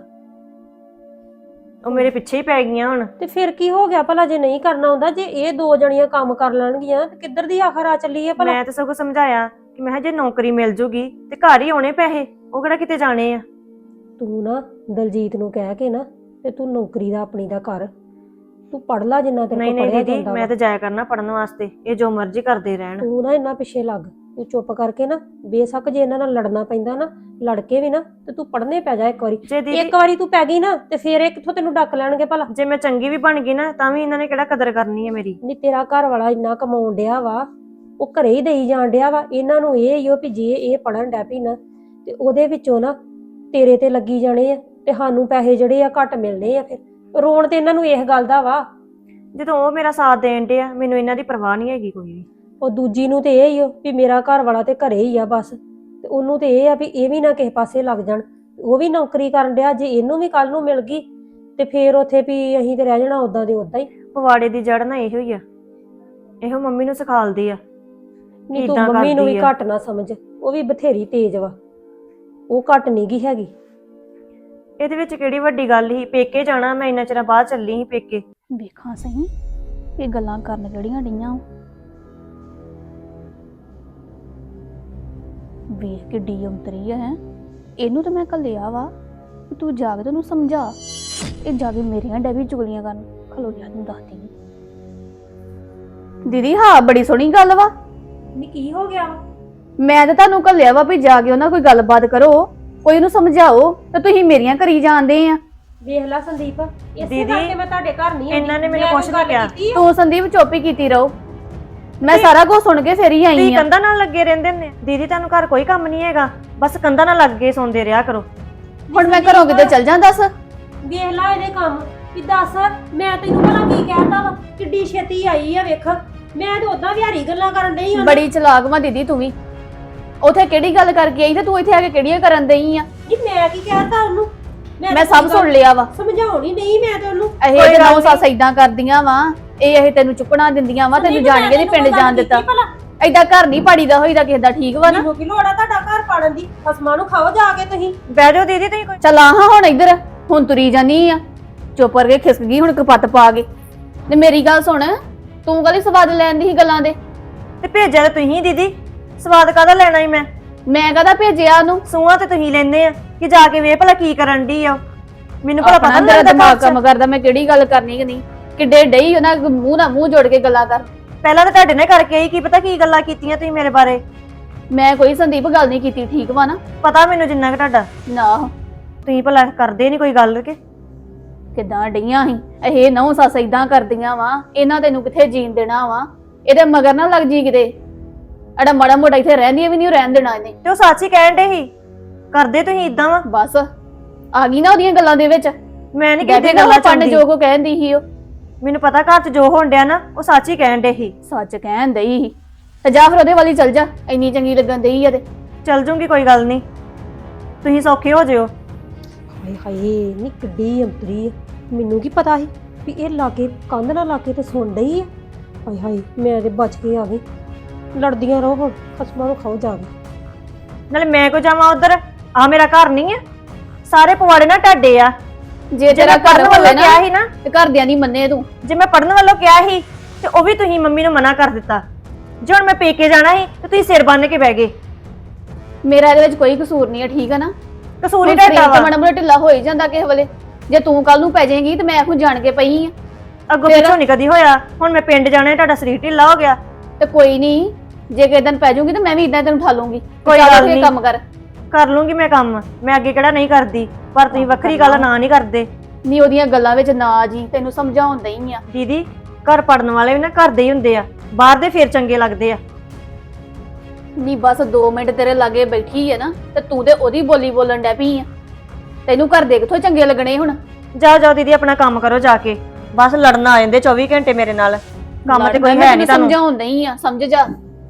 Speaker 1: ਉਹ ਮੇਰੇ ਪਿੱਛੇ ਹੀ ਪੈ ਗਈਆਂ ਹੁਣ।
Speaker 3: ਤੇ ਫਿਰ ਕੀ ਹੋ ਗਿਆ ਭਲਾ ਜੇ ਨਹੀਂ ਕਰਨਾ ਆਉਂਦਾ? ਜੇ ਇਹ ਦੋ ਜਣੀਆਂ ਕੰਮ ਕਰ ਲੈਣਗੀਆਂ ਤੇ ਕਿੱਧਰ ਦੀ ਆਖਰ ਆ ਚੱਲੀ ਹੈ ਭਲਾ?
Speaker 1: ਮੈਂ ਤਾਂ ਸਗੋਂ ਸਮਝਾਇਆ ਕਿ ਮੈਂ ਕਿਹਾ ਜੇ ਨੌਕਰੀ ਮਿਲ ਜੂਗੀ ਤੇ ਘਰ ਹੀ ਆਉਣੇ ਪੈਸੇ, ਉਹ ਕਿਹੜਾ ਕਿਤੇ ਜਾਣੇ ਆ।
Speaker 3: ਤੂੰ ਨਾ ਦਲਜੀਤ ਨੂੰ ਕਹਿ ਕੇ ਨਾ ਤੇ ਤੂੰ ਨੌਕਰੀ ਦਾ ਆਪਣੀ ਦਾ ਕਰ, ਤੂੰ ਪੜ ਲੈ ਜਿੰਨਾ ਤੇਰੇ
Speaker 1: ਨਹੀਂ
Speaker 3: ਕੋਲ
Speaker 1: ਨਹੀਂ
Speaker 3: ਪੜਿਆ
Speaker 1: ਦੀਦੀ,
Speaker 3: ਜਾਂਦਾ
Speaker 1: ਮੈਂ
Speaker 3: ਵਾ।
Speaker 1: ਤਾਂ ਜਾਇਆ ਕਰਨਾ ਪੜਨ ਵਾਸਤੇ, ਇਹ ਜੋ ਮਰਜ਼ੀ ਕਰਦੇ ਰਹਿਣ।
Speaker 3: ਤੂੰ ਨਾ ਇੰਨਾ ਪਿੱਛੇ ਲੱਗ, ਤੂੰ ਚੁੱਪ ਕਰਕੇ ਨਾ, ਬੇਸ਼ੱਕ ਜੇ ਇਹਨਾਂ ਨਾਲ ਲੜਨਾ ਪੈਂਦਾ ਨਾ ਲੜ ਕੇ ਵੀ ਨਾ, ਤੇ ਤੂੰ ਪੜਨੇ ਪੈ ਜਾ ਇੱਕ ਵਾਰੀ।
Speaker 1: ਜੇ ਦੀਦੀ
Speaker 3: ਇੱਕ ਵਾਰੀ ਤੂੰ ਪੈ ਗਈ ਨਾ ਤੇ ਫਿਰ ਇਹ ਕਿੱਥੋਂ ਤੈਨੂੰ ਡੱਕ ਲੈਣਗੇ ਭਲਾ?
Speaker 1: ਜੇ ਮੈਂ ਚੰਗੀ ਵੀ ਬਣ ਗਈ ਨਾ ਤਾਂ ਵੀ ਇਹਨਾਂ ਨੇ ਕਿਹੜਾ ਕਦਰ ਕਰਨੀ ਹੈ ਮੇਰੀ।
Speaker 3: ਨਹੀਂ ਤੇਰਾ ਘਰ ਵਾਲਾ ਇੰਨਾ ਕਮਾਉਣ ਡਿਆ ਵਾ, ਉਹ ਘਰੇ ਹੀ ਦੇਈ ਜਾਣ ਡਿਆ ਵਾ। ਇਹਨਾਂ ਨੂੰ ਇਹ ਹੀ ਹੋ ਵੀ ਜੇ ਇਹ ਪੜਨ ਡੈ ਪਈ ਨਾ ਤੇ ਉਹਦੇ ਵਿੱਚੋਂ ਨਾ ਤੇਰੇ ਤੇ ਲੱਗੀ ਜਾਣੇ ਆ, ਤੇ ਸਾਨੂੰ ਪੈਸੇ ਜਿਹੜੇ ਆ ਘੱਟ ਮਿਲਣੇ ਆ। ਫਿਰ ਰੋਣ ਤੇ ਇਹਨਾਂ ਨੂੰ ਇਸ ਗੱਲ ਦਾ ਵਾ,
Speaker 1: ਜਦੋਂ ਉਹ ਮੇਰਾ ਸਾਥ ਦੇਣ ਡਿਆ, ਮੈਨੂੰ ਇਹਨਾਂ ਦੀ ਪਰਵਾਹ ਨਹੀਂ ਹੈਗੀ ਕੋਈ ਵੀ।
Speaker 3: ਉਹ ਦੂਜੀ ਨੂੰ ਤੇ ਇਹ ਹੀ ਹੋ ਵੀ ਮੇਰਾ ਘਰ ਵਾਲਾ ਤੇ ਘਰੇ ਹੀ ਆ ਬਸ, ਤੇ ਉਹਨੂੰ ਤੇ ਇਹ ਆ ਵੀ ਇਹ ਵੀ ਨਾ ਕਿਸੇ ਪਾਸੇ ਲੱਗ ਜਾਣ। ਉਹ ਵੀ ਨੌਕਰੀ ਕਰਨ ਡਿਆ, ਜੇ ਇਹਨੂੰ ਵੀ ਕੱਲ ਨੂੰ ਮਿਲ ਗਈ ਤੇ ਫੇਰ ਉੱਥੇ ਵੀ ਅਸੀਂ ਤੇ ਰਹਿ ਜਾਣਾ ਉਦਾਂ ਦੇ ਉਦਾਂ ਹੀ।
Speaker 1: ਪਵਾੜੇ ਦੀ ਜੜ ਨਾ ਇਹੋ ਹੀ ਆ, ਇਹੋ ਮੰਮੀ ਨੂੰ ਸਿਖਾਲਦੀ ਆ।
Speaker 3: ਨਹੀਂ ਤੂੰ ਮੰਮੀ ਨੂੰ ਵੀ ਘੱਟ ਨਾ ਸਮਝ, ਉਹ ਵੀ ਬਥੇਰੀ ਤੇਜ਼ ਵਾ, ਉਹ ਘੱਟ ਨਹੀਂ ਗੀ ਹੈਗੀ।
Speaker 1: ਇਹਦੇ ਵਿੱਚ ਕਿਹੜੀ ਵੱਡੀ ਗੱਲ ਸੀ? ਪੇਕੇ ਜਾਣਾ, ਮੈਂ ਇੰਨਾ ਚਿਰ ਬਾਅਦ ਚੱਲੀ ਸੀ ਪੇਕੇ।
Speaker 2: ਵੇਖਾਂ ਸਹੀ ਇਹ ਗੱਲਾਂ ਕਰਨ ਕਿਹੜੀਆਂ ਡਈਆਂ ਵਾਂ। ਵੇਖ ਕਿੱਡੀ ਅੰਤਰੀ ਹੈ ਇਹਨੂੰ ਤਾਂ ਮੈਂ ਘੱਲਿਆ ਵਾ ਕਿ ਤੂੰ ਜਾ ਕੇ ਤੈਨੂੰ ਸਮਝਾ। ਇਹ ਜਾ ਕੇ ਮੇਰੀਆਂ ਡੈਵੀ ਚੁਗਲੀਆਂ ਕਰਨ ਖਲੋ ਜਾ ਤੈਨੂੰ ਦੱਸਦੀ ਨੀ। ਦੀਦੀ ਹਾਂ ਬੜੀ ਸੋਹਣੀ ਗੱਲ ਵਾ।
Speaker 3: ਨੀ ਕੀ ਹੋ ਗਿਆ ਵਾ?
Speaker 2: ਮੈਂ ਤਾਂ ਤੁਹਾਨੂੰ ਘੱਲਿਆ ਵਾ ਵੀ ਜਾ ਕੇ ਉਹਨਾਂ ਕੋਈ ਗੱਲਬਾਤ ਕਰੋ, ਕੋਈ ਨੂੰ ਸਮਝਾਓ, ਤੇ ਤੁਸੀਂ ਮੇਰੀਆਂ ਕਰੀ ਜਾਂਦੇ ਆ।
Speaker 3: ਵੇਖ ਲੈ ਸੰਦੀਪ, ਇਸੇ
Speaker 1: ਦੀਦੀ,
Speaker 3: ਕਰਕੇ ਮੈਂ ਤੁਹਾਡੇ ਘਰ ਨਹੀਂ ਆਈ।
Speaker 1: ਇਹਨਾਂ ਨੇ ਮੈਨੂੰ
Speaker 3: ਮੈਂ
Speaker 1: ਕੁਛ
Speaker 3: ਕੋਈ
Speaker 1: ਨਹੀਂ
Speaker 3: ਗੱਲ
Speaker 1: ਕਿਹਾ।
Speaker 3: ਕੀਤੀ ਆ?
Speaker 2: ਤੂੰ ਸੰਦੀਪ ਚੁੱਪ ਹੀ ਕੀਤੀ ਰਹੋ, ਮੈਂ ਸਾਰਾ ਕੁਝ ਸੁਣ ਕੇ ਫੇਰ ਹੀ ਆਈ
Speaker 1: ਤੁਸੀਂ
Speaker 2: ਆ।
Speaker 1: ਕੰਧਾਂ ਨਾਲ ਲੱਗੇ ਰਹਿੰਦੇ ਨੇ ਦੀਦੀ, ਤੁਹਾਨੂੰ ਘਰ ਕੋਈ ਕੰਮ ਨਹੀਂ ਹੈਗਾ, ਬਸ ਕੰਧਾਂ ਨਾਲ ਲੱਗ ਕੇ ਸੌਂਦੇ ਰਿਹਾ ਕਰੋ।
Speaker 2: ਹੁਣ ਮੈਂ ਘਰੋਂ ਕਿਤੇ ਚੱਲ ਜਾਂ ਦੱਸ।
Speaker 3: ਵੇਖ ਲੈ ਇਹਦੇ ਕੰਮ ਵੀ ਦੱਸ, ਮੈਂ ਤੈਨੂੰ ਭਲਾ ਕੀ ਕਹਿਤਾ ਵਾ? ਕਿੱਡੀ ਛੇਤੀ ਆਈ ਆ ਵੇਖ। ਮੈਂ ਤੇ ਉਦਾਂ ਵਿਹਾਰੀ ਗੱਲਾਂ ਕਰਨ ਡਈ ਹਾਂ।
Speaker 2: ਬੜੀ ਚਲਾਕ ਵਾ ਦੀਦੀ ਤੂੰ ਵੀ। ਉਥੇ ਕਿਹੜੀ ਗੱਲ ਕਰਕੇ ਆਈ ਤੇ ਤੂੰ ਇੱਥੇ ਆ ਕੇ ਕਿਹੜੀਆਂ ਕਰਨ ਦਈ ਆ?
Speaker 3: ਜੀ ਮੈਂ ਕੀ ਕਹਿਤਾ ਉਹਨੂੰ?
Speaker 2: ਮੈਂ
Speaker 3: ਤਾਂ
Speaker 2: ਸਭ ਸੁਣ ਲਿਆ ਵਾ।
Speaker 3: ਸਮਝਾਉਣੀ ਨਹੀਂ ਮੈਂ ਤੇ ਉਹਨੂੰ।
Speaker 2: ਇਹ
Speaker 1: ਕੋਈ
Speaker 2: ਤੇ
Speaker 1: ਗੱਲ
Speaker 2: ਨੌ ਸੱਸ ਏਦਾਂ ਕਰਦੀਆਂ ਵਾ, ਇਹ ਇਹ ਤੈਨੂੰ ਚੁੱਕਣਾ ਦਿੰਦੀਆਂ ਵਾ, ਤੈਨੂੰ ਜਾਣ ਕੇ ਨੀ ਪਿੰਡ ਜਾਣ ਦਿੱਤਾ। ਏਦਾਂ ਘਰ ਨਹੀਂ ਪਾੜੀਦਾ ਹੋਈਦਾ ਕਿਸੇ ਦਾ, ਠੀਕ ਵਾ ਨਾ?
Speaker 3: ਮੈਨੂੰ ਕੀ ਲੋੜ ਆ ਤੁਹਾਡਾ ਘਰ ਪਾੜਨ ਦੀ? ਖਸਮਾਂ ਨੂੰ ਖਾਓ ਜਾ ਕੇ ਤੁਸੀਂ।
Speaker 1: ਬਹਿ ਜਾਓ ਦੀਦੀ ਤੁਸੀਂ ਕੋਈ।
Speaker 2: ਚੱਲ ਆ ਹਾਂ ਹੁਣ ਇੱਧਰ, ਹੁਣ ਤੁਰੀ ਜਾਨੀ ਆ ਚੁੱਪ ਕਰਕੇ ਖਿਸਕ ਗਈ ਹੁਣ ਕਪੱਤ ਪਾ ਕੇ। ਤੇ ਮੇਰੀ ਗੱਲ ਸੁਣ, ਤੂੰ ਕਾਹਦੀ ਸਵਾਦ ਲੈਣ ਦੀ ਸੀ ਗੱਲਾਂ ਦੇ?
Speaker 1: ਤੇ ਭੇਜਿਆ ਤਾਂ ਤੁਸੀਂ ਦੀਦੀ, ਸਵਾਦ ਕਾਹਦਾ ਲੈਣਾ ਹੀ ਮੈਂ?
Speaker 2: ਮੈਂ ਕਹਦਾ ਭੇਜਿਆ ਉਹਨੂੰ?
Speaker 1: ਸੂਹਾਂ ਤੇ ਤੁਸੀਂ ਲੈਂਦੇ ਆ ਕਿ ਜਾ ਕੇ ਵੇਖ ਭਲਾ ਕੀ ਕਰਨ ਦੀ ਆ। ਮੈਨੂੰ ਭਲਾ ਪਤਾ
Speaker 2: ਆਪਣਾ
Speaker 1: ਨਹੀਂ
Speaker 2: ਤੇਰਾ
Speaker 1: ਲੱਗਦਾ
Speaker 2: ਦਿਮਾਗ
Speaker 1: ਘਰ 'ਚ।
Speaker 2: ਕੰਮ ਕਰਦਾ, ਮੈਂ ਕਿਹੜੀ ਗੱਲ ਕਰਨੀ ਕਿ ਨਹੀਂ। ਕਿੱਡੇ ਡਈ ਉਹਨਾਂ ਮੂੰਹ ਨਾਲ ਮੂੰਹ ਜੋੜ ਕੇ ਗੱਲਾਂ ਕਰ।
Speaker 1: ਪਹਿਲਾਂ ਤਾਂ ਤੁਹਾਡੇ ਨਾਲ ਕਰਕੇ ਆਈ, ਕੀ ਪਤਾ ਕੀ ਗੱਲਾਂ ਕੀਤੀਆਂ ਤੁਸੀਂ ਮੇਰੇ ਬਾਰੇ।
Speaker 2: ਮੈਂ ਕੋਈ ਸੰਦੀਪ ਗੱਲ ਨਹੀਂ ਕੀਤੀ, ਠੀਕ ਵਾ ਨਾ?
Speaker 1: ਪਤਾ ਮੈਨੂੰ ਜਿੰਨਾ ਕਿ ਤੁਹਾਡਾ।
Speaker 2: ਨਾ
Speaker 1: ਤੁਸੀਂ ਭਲਾ ਕਰਦੇ ਨਹੀਂ ਕੋਈ ਗੱਲ ਕੇ।
Speaker 2: ਕਿੱਦਾਂ ਡਈਆਂ ਸੀ ਇਹ ਨੌ ਸੱਸ ਏਦਾਂ ਕਰਦੀਆਂ ਵਾ, ਇਹਨਾਂ ਤੈਨੂੰ ਕਿੱਥੇ ਜੀਣ ਦੇਣਾ ਵਾ? ਇਹਦੇ ਮਗਰ ਨਾ ਲੱਗ ਜੀ ਕਿਤੇ। ਅੜਾ ਮਾੜਾ ਮੋਟਾ ਇੱਥੇ ਰਹਿੰਦੀ ਵੀ ਨਹੀਂ ਰਹਿਣ ਦੇਣਾ ਇਹਨੇ।
Speaker 1: ਤੇ ਉਹ ਸੱਚ ਹੀ ਕਹਿਣ ਡੇ ਸੀ, ਕਰਦੇ ਤੁਸੀਂ ਇਦਾਂ ਵਾ।
Speaker 2: ਬਸ ਆ ਗਈ ਨਾ ਉਹਦੀਆਂ ਗੱਲਾਂ ਦੇ ਵਿੱਚ।
Speaker 1: ਮੈਂ ਨਹੀਂ
Speaker 2: ਕਿਤੇ
Speaker 1: ਕਿਤੇ
Speaker 2: ਗੱਲਾਂ
Speaker 1: ਗੱਲਾਂ
Speaker 2: ਪੰਡ
Speaker 1: ਚੰਦੀ।
Speaker 2: ਜੋ ਕੋ ਕਹਿੰਦੀ ਸੀ ਉਹ
Speaker 1: ਮੈਨੂੰ ਪਤਾ ਘਰ 'ਚ ਜੋ ਹੋਣ ਡਿਆ ਨਾ, ਉਹ ਸੱਚ ਹੀ ਕਹਿਣ ਡੇ ਸੀ।
Speaker 2: ਸੱਚ ਕਹਿਣ ਦਈ ਸੀ। ਤੇ ਜਾ ਫਿਰ ਉਹਦੇ ਵਾਲੀ ਚੱਲ ਜਾ, ਇੰਨੀ ਚੰਗੀ ਲੱਗਣ ਦਈ ਆ ਤੇ।
Speaker 1: ਚੱਲ ਜੂੰਗੀ, ਕੋਈ ਗੱਲ ਨਹੀਂ, ਤੁਸੀਂ ਸੌਖੇ ਹੋ ਜਿਓ।
Speaker 3: ਹਾਏ ਹਾਏ ਨੀ ਕਿੱਡੀ ਅੰਤਰੀ ਆ। ਮੈਨੂੰ ਕੀ ਪਤਾ ਸੀ ਵੀ ਇਹ ਲਾਗੇ ਕੰਧ ਨਾਲ ਲਾਗੇ ਤੇ ਸੁਣ ਡਈ ਆ। ਹਾਏ ਹਾਏ ਮੈਂ ਤੇ ਬਚ ਕੇ ਆ ਗਈ। ਲੜਦੀਆਂ ਰਹੋ ਹੁਣ, ਖਸਮਾਂ ਨੂੰ ਖਾਓ ਜਾ ਕੇ।
Speaker 1: ਨਾਲੇ ਮੈਂ ਕੋ ਜਾਵਾਂ ਉਧਰ? ਆ ਮੇਰਾ ਘਰ ਨਹੀਂ ਆ, ਸਾਰੇ ਪਵਾੜੇ ਨਾ ਢਾਡੇ ਆ।
Speaker 2: ਜੇ ਤੇਰਾ
Speaker 1: ਮੈਂ
Speaker 2: ਘਰ
Speaker 1: ਪੜ੍ਹਨ
Speaker 2: ਹੋਵੇ
Speaker 1: ਵੱਲੋਂ
Speaker 2: ਨਾ
Speaker 1: ਕਿਹਾ ਸੀ ਨਾ,
Speaker 2: ਤੇ ਘਰਦਿਆਂ ਦੀ ਮੰਨੇ ਤੂੰ।
Speaker 1: ਜੇ ਮੈਂ ਪੜਨ ਵੱਲੋਂ ਕਿਹਾ ਸੀ ਤੇ ਉਹ ਵੀ ਤੁਸੀਂ ਮੰਮੀ ਨੂੰ ਮਨਾ ਕਰ ਦਿੱਤਾ। ਜੇ ਹੁਣ ਮੈਂ ਪੇਕੇ ਜਾਣਾ ਸੀ ਤੇ ਤੁਸੀਂ ਸਿਰ ਬੰਨ ਕੇ ਬਹਿ ਗਏ।
Speaker 2: ਮੇਰਾ ਇਹਦੇ ਵਿੱਚ ਕੋਈ ਕਸੂਰ ਨਹੀਂ ਹੈ, ਠੀਕ ਹੈ ਨਾ?
Speaker 1: ਕਸੂਰ ਹੀ
Speaker 2: ਹੁਣ
Speaker 1: ਢਾਡਾ
Speaker 2: ਸਰੀਰ ਤੇ
Speaker 1: ਵਾ।
Speaker 2: ਮਾੜਾ ਮੋਟਾ ਢਿੱਲਾ ਹੋ ਹੀ ਜਾਂਦਾ ਕਿਸੇ ਵੇਲੇ। ਜੇ ਤੂੰ ਕੱਲ ਨੂੰ ਪੈ ਜਾਏਗੀ ਤੇ ਮੈਂ ਹੁਣ ਜਾਣ ਕੇ ਪਈ ਆ।
Speaker 1: ਅੱਗੋਂ
Speaker 2: ਫਿਰ-
Speaker 1: ਪਿੱਛੋਂ ਨਹੀਂ ਕਦੀ ਹੋਇਆ, ਹੁਣ ਮੈਂ ਪਿੰਡ ਜਾਣਾ, ਤੁਹਾਡਾ ਸਰੀਰ ਢਿੱਲਾ ਹੋ ਗਿਆ।
Speaker 2: ਤੇ ਕੋਈ ਨਹੀਂ, ਜੇ ਕਿਸੇ ਦਿਨ ਪੈ ਜਾਊਗੀ ਤੇ ਮੈਂ ਵੀ ਇਦਾਂ ਤੈਨੂੰ ਉਠਾ ਲੂੰਗੀ।
Speaker 1: ਕੋਈ
Speaker 2: ਚੱਲ
Speaker 1: ਗੱਲ
Speaker 2: ਉੱਠ ਕੇ
Speaker 1: ਨੀ।
Speaker 2: ਕੰਮ ਕਰ।
Speaker 1: ਕਰ ਲੂੰਗੀ ਮੈਂ ਕੰਮ, ਮੈਂ ਅੱਗੇ ਕਿਹੜਾ ਨਹੀਂ ਕਰਦੀ, ਪਰ ਤੁਸੀਂ ਵੱਖਰੀ ਗੱਲ ਨਾ ਨਹੀਂ ਕਰਦੇ।
Speaker 2: ਨਹੀਂ ਉਹਦੀਆਂ ਗੱਲਾਂ ਵਿੱਚ ਨਾ ਆ ਜੀ, ਤੈਨੂੰ ਸਮਝਾਉਣ ਦਈ ਆ।
Speaker 1: ਦੀਦੀ ਘਰ ਪੜਨ ਵਾਲੇ ਵੀ ਨਾ ਘਰ ਦੇ ਹੀ ਹੁੰਦੇ ਆ, ਬਾਹਰ ਦੇ ਫੇਰ ਚੰਗੇ ਲੱਗਦੇ ਆ।
Speaker 2: ਨਹੀਂ ਬਸ ਦੋ ਮਿੰਟ ਤੇਰੇ ਲਾਗੇ ਬੈਠੀ ਹੈ ਨਾ, ਤੇ ਤੂੰ ਤੇ ਉਹਦੀ ਬੋਲੀ ਬੋਲਣ ਡੈ ਪਈ ਆ। ਤੈਨੂੰ ਘਰ ਦੇ ਕਿੱਥੋਂ ਚੰਗੇ ਲੱਗਣੇ ਹੁਣ?
Speaker 1: ਜਾਓ ਜਾਓ ਦੀਦੀ, ਆਪਣਾ ਕੰਮ ਕਰੋ ਜਾ ਕੇ। ਬਸ ਲੜਨ ਆ ਜਾਂਦੇ ਚੌਵੀ ਘੰਟੇ ਮੇਰੇ ਨਾਲ, ਕੰਮ ਤੇ ਕੋਈ
Speaker 2: ਮੈਂ
Speaker 1: ਹੈ
Speaker 2: ਤੈਨੂੰ
Speaker 1: ਨਹੀਂ ਤੁਹਾਨੂੰ।
Speaker 2: ਸਮਝਾਉਣ ਦਈ ਆ, ਸਮਝ ਜਾ।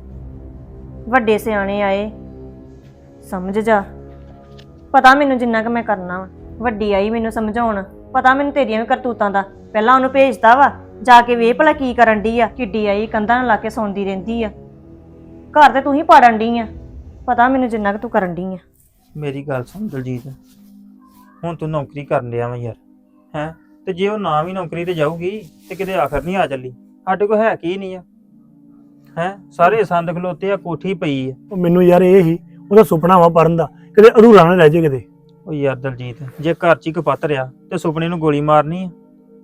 Speaker 1: ਵੱਡੇ ਸਿਆਣੇ ਆਏ, ਸਮਝ ਜਾ। ਪਤਾ ਮੈਨੂੰ ਜਿੰਨਾ ਕਿ ਮੈਂ ਕਰਨਾ ਵਾ। ਵੱਡੀ ਆਈ ਮੈਨੂੰ ਸਮਝਾਉਣ, ਪਤਾ ਮੈਨੂੰ ਤੇਰੀਆਂ ਵੀ ਕਰਤੂਤਾਂ ਦਾ। ਪਹਿਲਾਂ ਉਹਨੂੰ ਭੇਜਦਾ ਵਾ, ਜਾ ਕੇ ਵੇਖ ਭਲਾ ਕੀ ਕਰਨ ਡਈ ਆ। ਕਿੱਡੀ ਆਈ ਕੰਧਾਂ ਨਾਲ ਲਾ ਕੇ ਸੌਂਦੀ ਰਹਿੰਦੀ ਆ। ਘਰ ਤੇ ਤੂੰ ਹੀ ਪਾੜਨ ਡਈ ਆ, ਪਤਾ ਮੈਨੂੰ ਜਿੰਨਾ ਕਿ ਤੂੰ ਕਰਨ ਡਈ ਆ।
Speaker 4: ਮੇਰੀ ਗੱਲ ਸੁਣ ਦਲਜੀਤ, ਹੁਣ ਤੂੰ ਨੌਕਰੀ ਕਰਨ ਲਿਆ ਵਾ ਯਾਰ, ਹੈ? ਤੇ ਜੇ ਉਹ ਨਾ ਵੀ ਨੌਕਰੀ ਤੇ ਜਾਊਗੀ ਤੇ ਕਿਤੇ ਆਖਰ ਨਹੀਂ ਆ ਚੱਲੀ। ਸਾਡੇ ਕੋਲ ਹੈ ਕੀ ਨਹੀਂ ਆ, ਹੈ? ਸਾਰੇ ਸੰਦ ਖਲੋਤੇ ਆ, ਕੋਠੀ ਪਈ ਆ।
Speaker 5: ਉਹ ਮੈਨੂੰ ਯਾਰ ਇਹ ਹੀ ਉਹਦਾ ਸੁਪਨਾ ਵਾ ਪੜਨ ਦਾ, ਕਿਤੇ ਅਧੂਰਾ ਨਾ ਰਹਿ ਜੇ ਕਿਤੇ।
Speaker 4: ਉਹ ਯਾਰ ਦਲਜੀਤ, ਜੇ ਘਰ 'ਚ ਹੀ ਕਪੱਤ ਰਿਆ ਤੇ ਸੁਪਨੇ ਨੂੰ ਗੋਲੀ ਮਾਰਨੀ ਆ।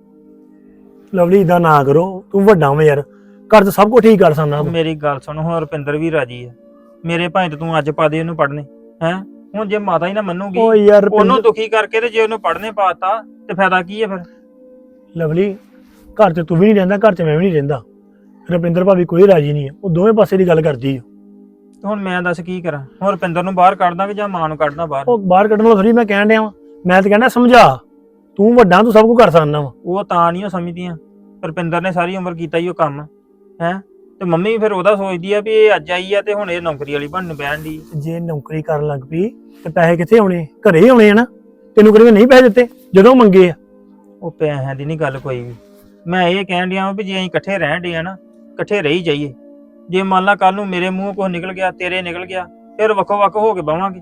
Speaker 5: ਲਵਲੀ ਇਦਾਂ ਨਾ ਕਰੋ, ਤੂੰ ਵੱਡਾ ਵਾ ਯਾਰ, ਘਰ 'ਚ ਸਭ ਕੁਝ ਠੀਕ ਕਰ ਸਕਦਾ ਤੂੰ।
Speaker 4: ਮੇਰੀ ਗੱਲ ਸੁਣ, ਹੁਣ ਰੁਪਿੰਦਰ ਵੀ ਰਾਜੀ ਆ। ਮੇਰੇ ਭਾਈ ਤੇ ਤੂੰ ਅੱਜ ਪਾ ਦੇ ਉਹਨੂੰ ਪੜਨੇ, ਹੈ? ਹੁਣ ਜੇ ਮਾਤਾ ਹੀ ਨਾ ਮੰਨੂਗੀ
Speaker 5: ਉਹ ਯਾਰ
Speaker 4: ਉਹਨੂੰ
Speaker 5: ਰੁਪਿੰਦਰ-
Speaker 4: ਦੁਖੀ ਕਰਕੇ, ਤੇ ਜੇ ਉਹਨੂੰ ਪੜਨੇ ਪਾਤਾ ਤੇ ਫਾਇਦਾ ਕੀ ਆ ਫਿਰ?
Speaker 5: ਲਵਲੀ ਘਰ 'ਚ ਤੂੰ ਵੀ ਨਹੀਂ ਰਹਿੰਦਾ, ਘਰ 'ਚ ਮੈਂ ਵੀ ਨਹੀਂ ਰਹਿੰਦਾ। ਰੁਪਿੰਦਰ ਭਾਬੀ ਕੋਈ ਰਾਜੀ ਨਹੀਂ ਆ, ਉਹ ਦੋਵੇਂ ਪਾਸੇ ਦੀ ਗੱਲ ਕਰਦੀ ਆ।
Speaker 4: ਹੁਣ ਮੈਂ ਦੱਸ ਕੀ ਕਰਾਂ? ਹੁਣ ਰੁਪਿੰਦਰ ਨੂੰ ਬਾਹਰ ਕੱਢ ਦਾਂਗੇ ਜਾਂ ਮਾਂ ਨੂੰ ਕੱਢਣਾ ਬਾਹਰ?
Speaker 5: ਉਹ ਬਾਹਰ ਕੱਢਣ ਵਾਲਾ ਥੋੜੀ ਮੈਂ ਕਹਿਣ ਡਿਆ ਵਾਂ, ਮੈਂ ਤਾਂ ਕਹਿੰਦਾ ਸਮਝਾ। ਤੂੰ ਵੱਡਾ, ਤੂੰ ਸਭ ਕੁਝ ਕਰ ਸਕਦਾ ਵਾ।
Speaker 4: ਉਹ ਤਾਂ ਨਹੀਂ ਉਹ ਸਮਝਦੀਆਂ। ਰੁਪਿੰਦਰ ਨੇ ਸਾਰੀ ਉਮਰ ਕੀਤਾ ਹੀ ਉਹ ਕੰਮ, ਹੈ? ਤੇ ਮੰਮੀ ਫਿਰ ਉਹਦਾ ਸੋਚਦੀ ਆ ਵੀ ਇਹ ਅੱਜ ਆਈ ਆ ਤੇ ਹੁਣ ਇਹ ਨੌਕਰੀ ਵਾਲੀ ਬਣਨ ਬਹਿਣ ਦੀ।
Speaker 5: ਜੇ ਨੌਕਰੀ ਕਰਨ ਲੱਗ ਪਈ ਤੇ ਪੈਸੇ ਕਿੱਥੇ ਆਉਣੇ? ਘਰੇ ਹੀ ਆਉਣੇ ਆ ਨਾ। ਤੈਨੂੰ ਕਦੇ ਨਹੀਂ ਪੈਸੇ ਦਿੱਤੇ ਜਦੋਂ ਮੰਗੇ ਆ?
Speaker 4: ਉਹ ਪੈਸਿਆਂ ਦੀ ਨਹੀਂ ਗੱਲ ਕੋਈ ਵੀ। ਮੈਂ ਇਹ ਕਹਿਣ ਡਿਆ ਵਾਂ ਵੀ ਜੇ ਅਸੀਂ ਇਕੱਠੇ ਰਹਿਣ ਡੇ ਆ ਨਾ, ਇਕੱਠੇ ਰਹੀ ਜਾਈਏ। ਜੇ ਮੰਨ ਲਾ ਕੱਲ ਨੂੰ ਮੇਰੇ ਮੂੰਹ ਕੁਛ ਨਿਕਲ ਗਿਆ, ਤੇਰੇ ਨਿਕਲ ਗਿਆ, ਫਿਰ ਵੱਖੋ ਵੱਖ ਹੋ ਕੇ ਬਵਾਂਗੇ।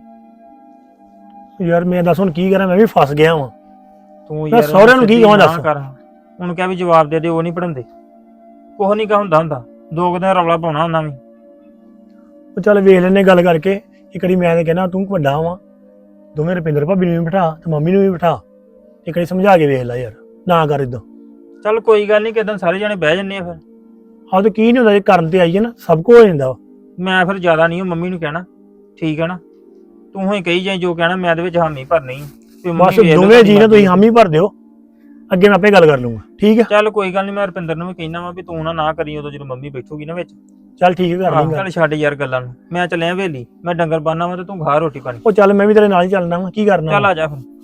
Speaker 5: ਯਾਰ ਮੈਂ ਦੱਸ ਹੁਣ ਕੀ ਕਰਾਂ, ਮੈਂ ਵੀ ਫਸ ਗਿਆ ਵਾਂ।
Speaker 4: ਤੂੰ
Speaker 5: ਮੈਂ
Speaker 4: ਯਾਰ
Speaker 5: ਸਹੁਰਿਆਂ ਨੂੰ ਕੀ
Speaker 4: ਸਿੱਧੀ
Speaker 5: ਕਹਾਂ
Speaker 4: ਨਾ
Speaker 5: ਦੱਸ?
Speaker 4: ਕਰ। ਉਹਨੂੰ ਕਿਹਾ ਵੀ ਜਵਾਬ ਦੇ ਦੇ, ਉਹ ਨਹੀਂ ਪੜਾਉਂਦੇ। ਕੁਛ ਨਹੀਂ ਕਾ ਹੁੰਦਾ ਹੁੰਦਾ ਦੋ ਕੁ ਦਿਨ ਰੌਲਾ ਪਾਉਣਾ ਉਹਨਾਂ ਵੀ।
Speaker 5: ਉਹ ਚੱਲ ਵੇਖ ਲੈਨੇ ਗੱਲ ਕਰਕੇ। ਇੱਕ ਵਾਰੀ ਮੈਂ ਤਾਂ ਕਹਿਣਾ ਤੂੰ ਵੱਡਾ ਵਾਂ, ਦੋਵੇਂ ਰੁਪਿੰਦਰ ਭਾਬੀ ਨੂੰ ਵੀ ਬਿਠਾ ਤੇ ਮੰਮੀ ਨੂੰ ਵੀ ਬਿਠਾ, ਇੱਕ ਵਾਰੀ ਸਮਝਾ ਕੇ ਵੇਖ ਲੈ ਯਾਰ, ਨਾ ਕਰ ਇਦਾਂ।
Speaker 4: ਚੱਲ ਕੋਈ ਗੱਲ ਨਹੀਂ, ਕਿਦਾਂ ਸਾਰੇ ਜਾਣੇ ਬਹਿ ਜੰਨੇ ਆ ਫਿਰ।
Speaker 5: ਆਹ ਤਾਂ ਕੀ ਨਹੀਂ ਹੁੰਦਾ, ਜੇ ਕਰਨ ਤੇ ਆਈਏ ਨਾ ਸਭ ਕੁਝ ਹੋ ਜਾਂਦਾ ਵਾ।
Speaker 4: ਮੈਂ ਫਿਰ ਜ਼ਿਆਦਾ ਨਹੀਂ ਮੰਮੀ ਨੂੰ ਕਹਿਣਾ, ਠੀਕ ਹੈ ਨਾ। ਤੂੰ ਹੀ ਕਹੀ ਜਾਈ ਜੋ ਕਹਿਣਾ, ਮੈਂ ਇਹਦੇ ਵਿੱਚ ਹਾਮੀ ਭਰਨੀ ਵੀ ਮੰਮੀ
Speaker 5: ਬਸ
Speaker 4: ਵੇਖ ਲਓ
Speaker 5: ਦੋਵੇਂ ਜੀ ਨੇ
Speaker 4: ਤੁਹਾਡੀ
Speaker 5: ਤੁਸੀਂ ਹਾਮੀ ਭਰ ਦਿਓ, ਅੱਗੇ ਮੈਂ ਆਪੇ ਗੱਲ ਕਰ ਲੂੰਗਾ, ਠੀਕ ਹੈ।
Speaker 4: ਚੱਲ ਕੋਈ ਗੱਲ ਨਹੀਂ, ਮੈਂ ਰੁਪਿੰਦਰ ਨੂੰ ਵੀ ਕਹਿਣਾ ਵਾ ਵੀ ਤੂੰ ਨਾ ਨਾ ਕਰੀ ਉਦੋਂ ਜਦੋਂ ਮੰਮੀ ਬੈਠੂਗੀ ਨਾ ਵਿੱਚ।
Speaker 5: ਚੱਲ ਠੀਕ ਹੈ, ਕਰ
Speaker 4: ਆਹ,
Speaker 5: ਲੂੰਗਾ।
Speaker 4: ਚੱਲ ਛੱਡ ਯਾਰ ਗੱਲਾਂ ਨੂੰ, ਮੈਂ ਚੱਲਿਆ ਹਵੇਲੀ, ਮੈਂ ਡੰਗਰ ਬੰਨਾ ਵਾ ਤੇ ਤੂੰ ਘਰ ਰੋਟੀ ਪਾਣੀ।
Speaker 5: ਉਹ ਚੱਲ ਮੈਂ ਵੀ ਤੇਰੇ ਨਾਲ ਹੀ ਚੱਲਣਾ ਵਾ, ਕੀ ਕਰਨਾ
Speaker 4: ਚੱਲ
Speaker 5: ਵਾ।
Speaker 4: ਆ ਜਾ ਫਿਰ।